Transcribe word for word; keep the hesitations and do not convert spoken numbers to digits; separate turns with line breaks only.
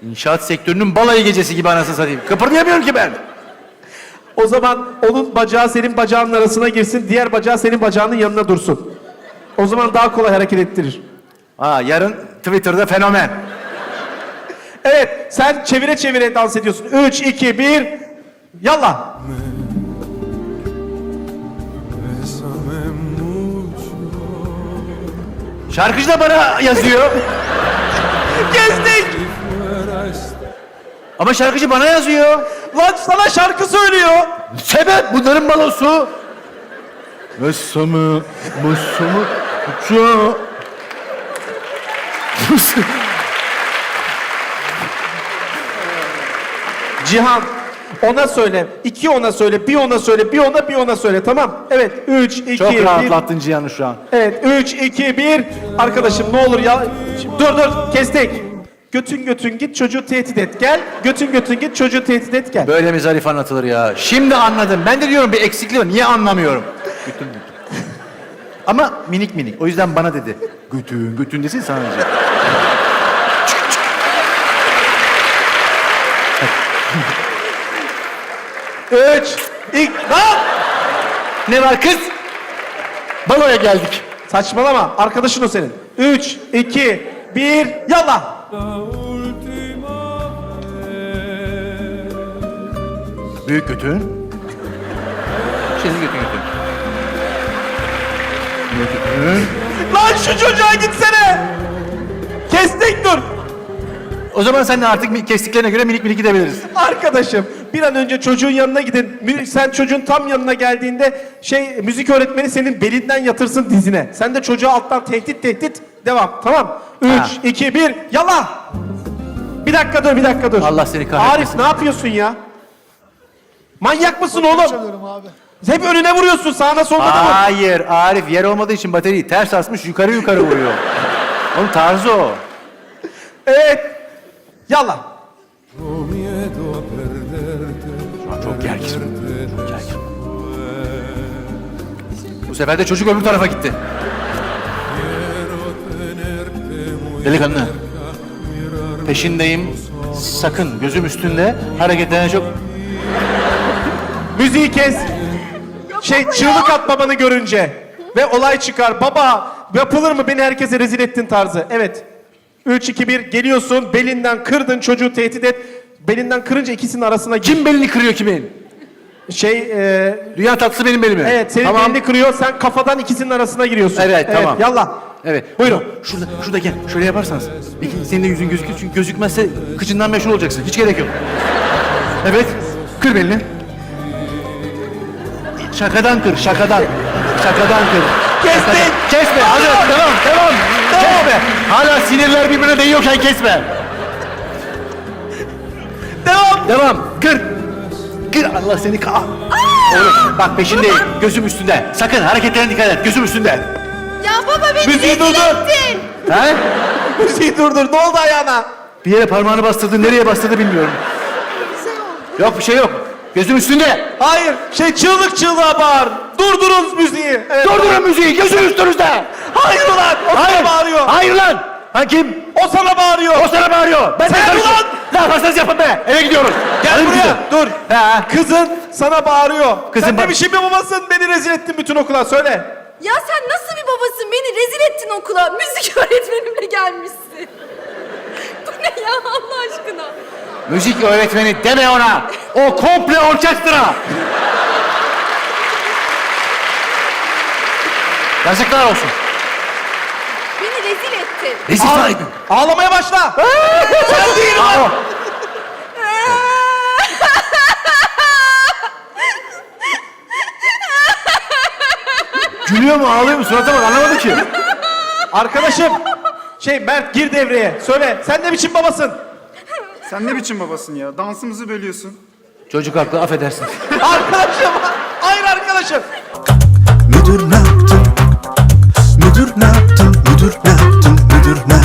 İnşaat sektörünün balayı gecesi gibi anasını satayım. Kıpırdayamıyorum ki ben.
O zaman onun bacağı senin bacağının arasına girsin, diğer bacağı senin bacağının yanına dursun. O zaman daha kolay hareket ettirir.
Ha, yarın Twitter'da fenomen.
Evet, sen çevire çevire dans ediyorsun. Üç, iki, bir, yallah.
Şarkıcı da bana yazıyor.
Gezdik.
Ama şarkıcı bana yazıyor.
Lan sana şarkı söylüyor.
Sebep bunların balosu. Messamı, messamı, uçağı.
Cihan, ona söyle. İki ona söyle, bir ona söyle, bir ona, bir ona söyle. Tamam. Evet, üç, iki,
Çok
bir.
rahatlattın Cihan'ı şu an.
Evet, üç, iki, bir. Arkadaşım ne olur ya. Şimdi, dur dur, kestik. Götün götün git, çocuğu tehdit et gel. Götün götün git, çocuğu tehdit et gel.
Böyle mi zarif anlatılır ya? Şimdi anladım. Ben de diyorum bir eksikliği var. Niye anlamıyorum? Götün götün. Ama minik minik. O yüzden bana dedi. Götün götün desin sana diyecek.
Üç, iki, lan!
Ne var kız? Baloya geldik.
Saçmalama, arkadaşın o senin. Üç, iki, bir, yallah!
Büyük götün. Şimdi götün götün. Büyük götün.
Lan şu çocuğa gitsene! Kestik dur!
O zaman sen de artık kestiklerine göre minik minik gidebiliriz.
Arkadaşım, bir an önce çocuğun yanına gidin. Mü- Sen çocuğun tam yanına geldiğinde şey müzik öğretmeni senin belinden yatırsın dizine. Sen de çocuğa alttan tehdit tehdit devam. Tamam. Üç,
Ha.
iki, bir, yallah! Bir dakika dur, bir dakika dur.
Allah seni kahretmesin.
Arif ne yapıyorsun ya? Manyak mısın oğlum?
Çalıyorum abi.
Hep önüne vuruyorsun, sağına soluna da vur.
Hayır, Arif yer olmadığı için bataryayı ters asmış, yukarı yukarı vuruyor. Onun tarzı o.
Evet. Yallah.
Şu an çok gergin. Çok gergin. Bu sefer de çocuk öbür tarafa gitti. Delikanlı. Peşindeyim. Sakın gözüm üstünde. Hareketlerine çok...
Müziği kes. Şey çığlık at babanı görünce. Ve olay çıkar. Baba yapılır mı beni herkese rezil ettin tarzı. Evet. Üç, iki, bir geliyorsun. Belinden kırdın çocuğu tehdit et. Belinden kırınca ikisinin arasına gir.
Kim belini kırıyor kimin?
Şey e,
Dünya tatlısı benim belimi.
evet senin
Tamam.
belini kırıyor. Sen kafadan ikisinin arasına giriyorsun.
Evet, tamam.
Yallah.
Evet.
Buyurun.
Şurada, şurada gel. Şöyle yaparsanız. Peki senin de yüzün gözükür. Çünkü gözükmezse kıçından meşhur olacaksın. Hiç gerek yok. Evet. Kır belini. Şakadan kır, şakadan. Şakadan kır.
Kestik.
Şakadan. Kesme. Hadi devam, devam. Kesme. Hala sinirler birbirine değiyorken kesme.
Devam.
Devam. Kır. Kır. Allah seni ka... Oğlum bak peşindeyim. Gözüm üstünde. Sakın hareketlerine dikkat et. Gözüm üstünde.
Ya baba beni
Müziği
rezil
durdur.
ettin.
He?
Müziği durdur. Ne oldu ayağına?
Bir yere parmağını bastırdı. Nereye bastırdı bilmiyorum. Yok bir şey yok. Gözüm üstünde.
Hayır. Şey çığlık çığlığa bağır. Durdurun müziği. Evet.
Durdurun müziği. Gözüm üstünüzde.
Hayır ulan. O
Hayır.
sana bağırıyor.
Hayır lan. Ha kim?
O sana bağırıyor.
O sana bağırıyor. Ben de
Sen
karışıyorum.
ulan!
Ne yaparsanız yapın be. Eve gidiyoruz.
Gel
Hadi
buraya.
gidelim.
Dur.
Ha.
Kızın sana bağırıyor.
Kızın
Sen
bak-
ne biçim bir babasın? Beni rezil ettin bütün okula. Söyle.
Ya sen nasıl bir babasın? Beni rezil ettin okula. Müzik öğretmenimle gelmişsin. Bu ne ya Allah aşkına?
Müzik öğretmeni deme ona. O komple orkestra. Yazıklar olsun.
Beni rezil ettin.
Rezil
Ağla-
sahibi.
Ağlamaya başla. Sen değil
Aa,
lan.
Gülüyor mu ağlıyor mu surata bak anlamadım ki.
Arkadaşım. Şey Mert gir devreye. Söyle. Sen ne biçim babasın?
Sen ne biçim babasın ya? Dansımızı bölüyorsun.
Çocuk haklı affedersin.
Arkadaşım. Hayır arkadaşım.
Müdür ne yaptın? Müdür ne yaptın? Müdür ne yaptın? Müdür ne